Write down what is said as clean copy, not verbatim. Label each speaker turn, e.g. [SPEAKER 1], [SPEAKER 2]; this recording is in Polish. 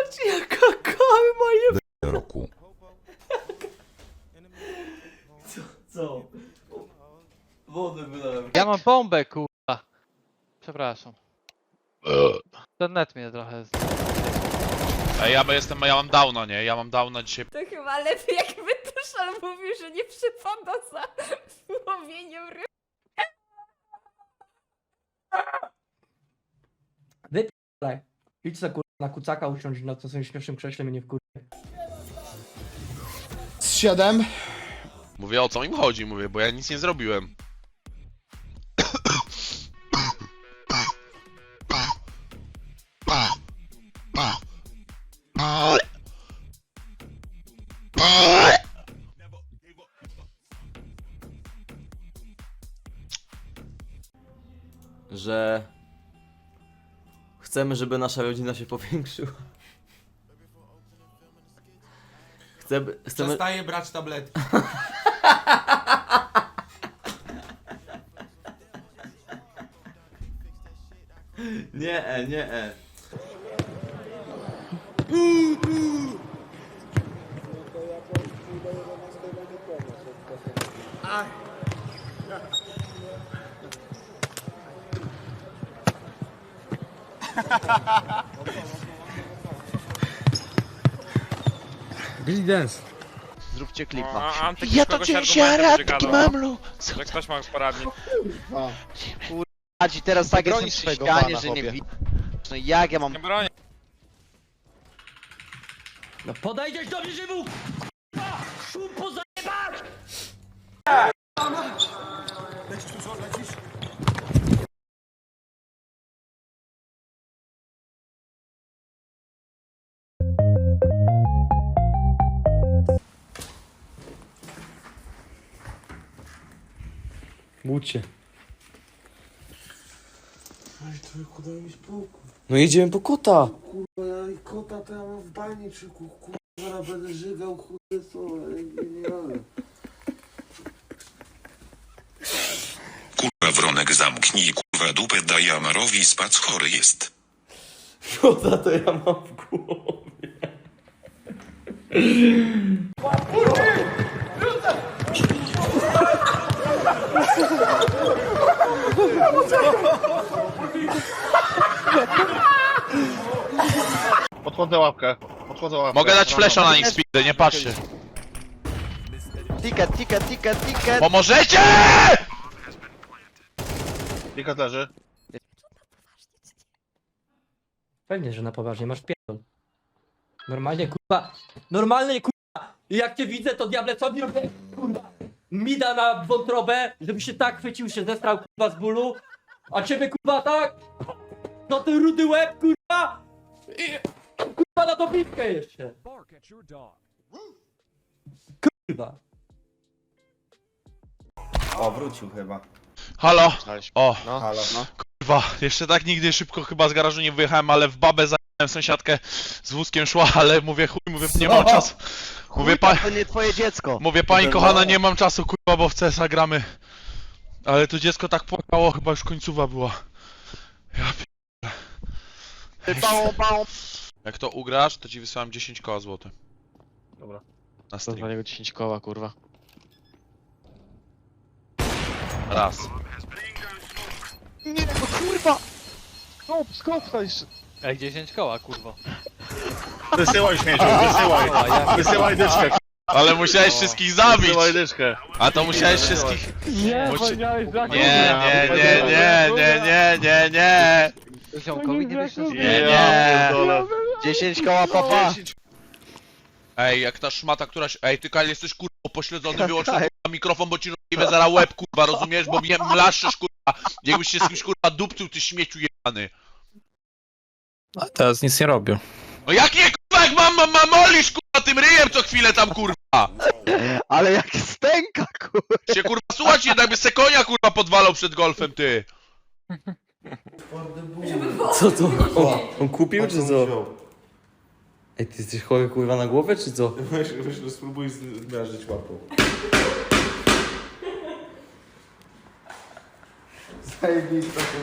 [SPEAKER 1] Patrzcie jaka kawy moje...
[SPEAKER 2] roku.
[SPEAKER 1] Co? Wodę wylałem.
[SPEAKER 3] Ja mam bombę, kurwa. Przepraszam. Ten net mnie trochę...
[SPEAKER 4] Ej, ja mam downa, nie? Ja mam downa dzisiaj.
[SPEAKER 5] To chyba lepiej jakby Tuszol mówił, że nie przypada za łowieniem ryb.
[SPEAKER 1] Wyp***lej. Idź se kurwa na kucaka usiądź na swoim śmiesznym krześle mnie nie wkur...
[SPEAKER 2] Z 7.
[SPEAKER 4] Mówię, o co im chodzi, mówię, bo ja nic nie zrobiłem.
[SPEAKER 6] Że chcemy, żeby nasza rodzina się powiększyła. Chcemy...
[SPEAKER 7] Przestaję brać tabletki.
[SPEAKER 6] Nie, nie.
[SPEAKER 1] Billy Dance.
[SPEAKER 3] Zróbcie klip,
[SPEAKER 4] Ja to cię radki, mamlu! Że ktoś ma poradnik.
[SPEAKER 3] Adzi, teraz tak jestem przy ścianie, że nie widzę. No jak ja mam...
[SPEAKER 4] Nie bronię.
[SPEAKER 1] No podejdziesz do mnie żywu! Szum pozajebać!
[SPEAKER 6] Budź się.
[SPEAKER 7] Ej, człowieku, daj mi spokój.
[SPEAKER 6] No jedziemy po kota.
[SPEAKER 7] Kurwa, ja i kota to ja mam w baniczyku. Kurwa, będę żygał, chude słowa. Nie jadę.
[SPEAKER 2] Kurwa Wronek zamknij kurwa dupę daj Amarowi spac chory jest.
[SPEAKER 6] Kota to ja mam w głowie.
[SPEAKER 8] Podchodzę łapkę.
[SPEAKER 4] Mogę dać flesza na nich speedy, nie patrzcie.
[SPEAKER 3] Ticket!
[SPEAKER 4] Pomożecie!
[SPEAKER 8] Ticket leży.
[SPEAKER 1] Pewnie, że na poważnie masz pierdol. Normalnie kurwa. Normalnie kurwa. I jak cię widzę to diable co mi robię? Kurwa. Mida na wątrobę, żeby się tak chwycił, się zestrał kurwa z bólu. A ciebie kurwa tak? No ty rudy łeb kurwa. I kurwa na dobitkę jeszcze. Kurwa.
[SPEAKER 7] O, wrócił chyba.
[SPEAKER 4] Halo? O,
[SPEAKER 7] Halo, no.
[SPEAKER 4] kurwa, jeszcze tak nigdy szybko chyba z garażu nie wyjechałem, ale w babę zajęłem sąsiadkę z wózkiem szła, ale mówię chuj, mówię nie mam czasu. Mówię
[SPEAKER 3] To nie twoje dziecko.
[SPEAKER 4] Mówię pani kochana, nie mam czasu kurwa, bo w CSa gramy. Ale to dziecko tak płakało, chyba już końcówa była. Ja
[SPEAKER 3] Bałą.
[SPEAKER 4] Jak to ugrasz, to ci wysyłam 10 koła złote.
[SPEAKER 8] Dobra.
[SPEAKER 4] Na stream.
[SPEAKER 3] Za niego 10 koła, kurwa.
[SPEAKER 4] Raz.
[SPEAKER 3] Nie, no kurwa! Skop to jeszcze. Ej, 10 koła, kurwa.
[SPEAKER 8] Wysyłaj śmieciu, wysyłaj. Wysyłaj dyczkę.
[SPEAKER 4] Ale musiałeś wszystkich zabić!
[SPEAKER 8] Wysyłaj dyczkę.
[SPEAKER 4] A to musiałeś wszystkich...
[SPEAKER 3] Nie,
[SPEAKER 4] Nie.
[SPEAKER 3] Ziomkowi nie wiesz,
[SPEAKER 4] Nie.
[SPEAKER 3] 10 koła, papa.
[SPEAKER 4] Ej, jak ta szmata któraś... Ej, ty Kyle jesteś kurwa pośledzony, wyłącz kurwa mikrofon, bo ci rozjebę zaraz łeb kurwa, rozumiesz? Bo mnie mlaszczysz kurwa, jakbyś się z kimś kurwa dupcył, ty śmieciu jebany.
[SPEAKER 9] A teraz nic nie robię.
[SPEAKER 4] No jak nie kurwa, jak mam molisz kurwa tym ryjem co chwilę tam kurwa!
[SPEAKER 3] Ale jak stęka, kurwa.
[SPEAKER 4] Się kurwa słuchać jednak by se konia kurwa podwalał przed golfem, ty!
[SPEAKER 6] Co to? On kupił czy co? Ej, ty jesteś chory kurwa na głowę czy co?
[SPEAKER 7] Weź, spróbuj zmiażdżyć łapą. Zajebista.